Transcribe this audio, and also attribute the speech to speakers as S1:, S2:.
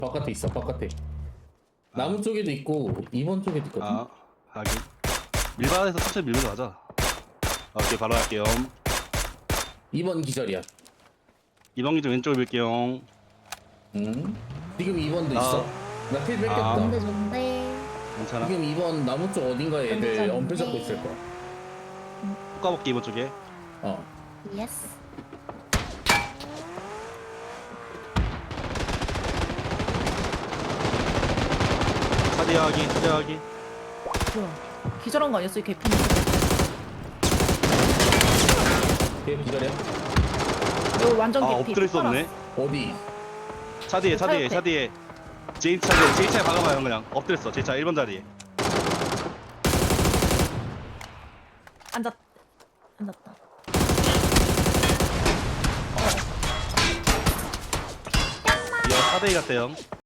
S1: 바깥에 있어. 바깥에. 나무 쪽에도 있고 2번 쪽에도 있거든.
S2: 아, 하긴. 밀반에서 천천히 밀면서 가자. 오케이, 바로 갈게요.
S1: 2번 기절이야.
S2: 이방기 좀 왼쪽을 밀게요.
S1: 응? 지금 2번도 있어. 나 필 뺏겼다.
S3: 좋은데 좋은데.
S2: 괜찮아.
S1: 지금 2번 나무 쪽 어딘가에 애들
S3: 괜찮은데.
S1: 엄폐 잡고 있을 거야.
S2: poka볼게, 이번 쪽에.
S1: 어.
S3: 예스.
S2: 차디하기.
S3: 뭐야? 기절한 거 아니었어 이 개핀?
S1: 걔 기절이야?
S3: 이거 완전
S2: 아,
S3: 개피.
S2: 엎드릴 수 없네.
S1: 어디?
S2: 차디에.
S3: 차 옆에.
S2: 제인 차에 박아봐요, 그냥. 엎드렸어, 제 차 1번 자리에.
S3: 앉았다.
S2: 이거 4대2 같아요.